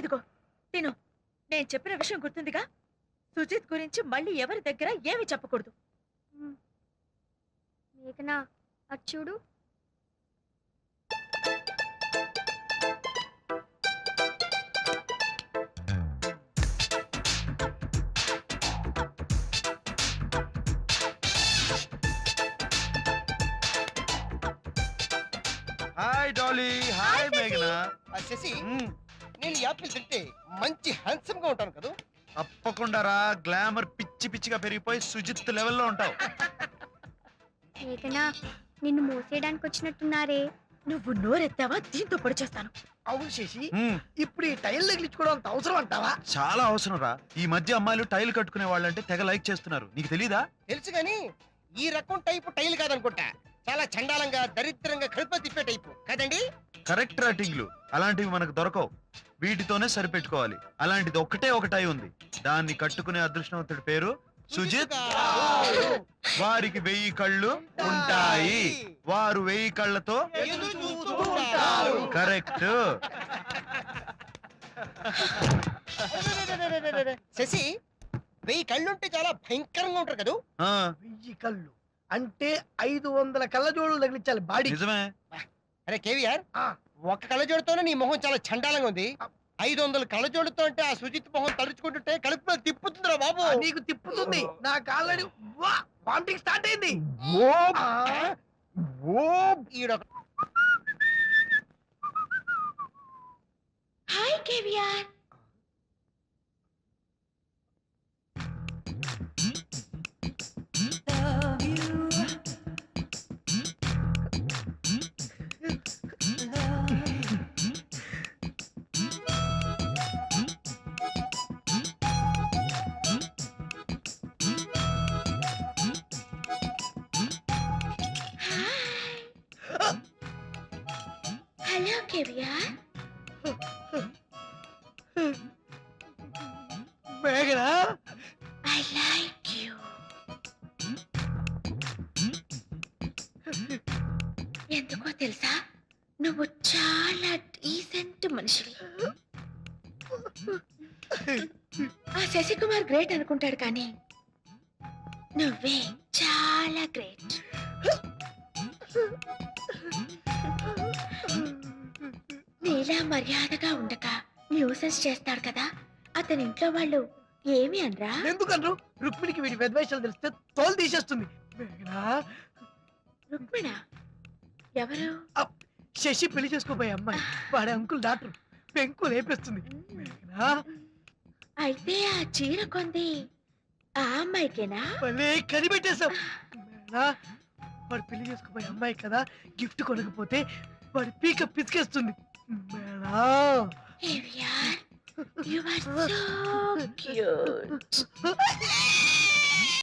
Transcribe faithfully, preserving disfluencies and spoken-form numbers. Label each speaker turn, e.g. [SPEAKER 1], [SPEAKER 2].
[SPEAKER 1] ఇదిగో తిను. నేను చెప్పిన విషయం గుర్తుందిగా? సుజిత్ గురించి మళ్ళీ ఎవరి దగ్గర ఏమి చెప్పకూడదు.
[SPEAKER 2] మేఘనా అటు చూడు.
[SPEAKER 3] Hi Dolly. హాయ్ మేఘనా.
[SPEAKER 4] శశి, నేను యాపిల్ తింటే మంచి హ్యాండ్సమ్ గా ఉంటాను కదా?
[SPEAKER 3] తప్పకుండా రా. గ్లామర్ పిచ్చి పిచ్చిగా పెరిగిపోయి సుజిత్ లెవెల్లో ఉంటావు.
[SPEAKER 2] మేఘనా నిన్ను మోసేయడానికి వచ్చినట్టున్నారే.
[SPEAKER 1] నువ్వు నోరెత్తావా దీంతో పొడి చేస్తాను.
[SPEAKER 4] అవును శశి,
[SPEAKER 3] మ్మ్.
[SPEAKER 4] ఇప్పుడు ఈ టైల్ తగిలించుకోవడం అంత అవసరం అంటావా?
[SPEAKER 3] చాలా అవసరం రా. ఈ మధ్య అమ్మాయిలు టైల్ కట్టుకునే వాళ్ళంటే తెగ లైక్ చేస్తున్నారు. నీకు తెలీదా?
[SPEAKER 4] తెలుసు గాని ఈ రకం టైపు టైల్ కాదనుకుంటా. చాలా చండాలంగా దరిద్రంగా కడుపు తిప్పే టైపు కదండి?
[SPEAKER 3] కరెక్ట్ రేటింగ్లు అలాంటివి మనకు దొరకవు. వీటితోనే సరిపెట్టుకోవాలి. అలాంటిది ఒక్కటే ఒక టై ఉంది. దాన్ని కట్టుకునే అదృష్టవంతుడి పేరు సుజిత్. వారికి వెయ్యి కళ్ళు ఉంటాయి. వారు వెయ్యి కళ్ళతో కరెక్ట్.
[SPEAKER 4] శశి, వెయ్యి కళ్ళుంటే చాలా భయంకరంగా ఉంటారు కదా?
[SPEAKER 3] ఆ,
[SPEAKER 4] వెయ్యి కళ్ళు అంటే ఐదు వందల కళ్ళజోడు తగిలించాలి బాడీ.
[SPEAKER 3] నిజమే.
[SPEAKER 4] అరే కేవీఆర్, ఒక కళ్ళజోడుతోనే నీ మొహం చాలా చండాలంగా ఉంది. ఐదు వందల కళ్ళజోడుతో అంటే ఆ సుజిత్ మొహం తడుచుకుంటుంటే కడుపులో తిప్పుతుందిరా బాబు. నీకు తిప్పుతుంది, నాకు ఆల్రెడీ వామిటింగ్ స్టార్ట్ అయింది. ఈడొక
[SPEAKER 1] హాయ్ కేవియర్. Hello caviar.
[SPEAKER 4] మేఘనా,
[SPEAKER 1] ఐ లైక్ యూ. ఎందుకో తెలుసా, నువ్వు చాలా డీసెంట్ మనిషివి. ఆ శశికుమార్ గ్రేట్ అనుకుంటాడు కానీ నువ్వే చాలా గ్రేట్. నీలా మర్యాదగా ఉండక న్యూసెన్స్ చేస్తాడు కదా, అతని ఇంట్లో వాళ్ళు ఏమి అనరా?
[SPEAKER 4] ఎందుకన్రు? రుక్మిణికి వీడి వెద్వేషాలు తెలిస్తే తోలు తీసేస్తుంది.
[SPEAKER 1] రుక్మిణ ఎవరు?
[SPEAKER 4] శశి పెళ్లి చేసుకోబోయే అమ్మాయి. వాడే అంకుల్ డాక్టర్. పెంకు లేపేస్తుంది.
[SPEAKER 1] అయితే ఆ చీర కొంది ఆ అమ్మాయికేనా?
[SPEAKER 4] భలే కనిపెట్టేశావు. వాడు పెళ్లి చేసుకోబోయే అమ్మాయి కదా, గిఫ్ట్ కొనకపోతే వాడి పీక పిసికేస్తుంది.
[SPEAKER 1] You are so cute.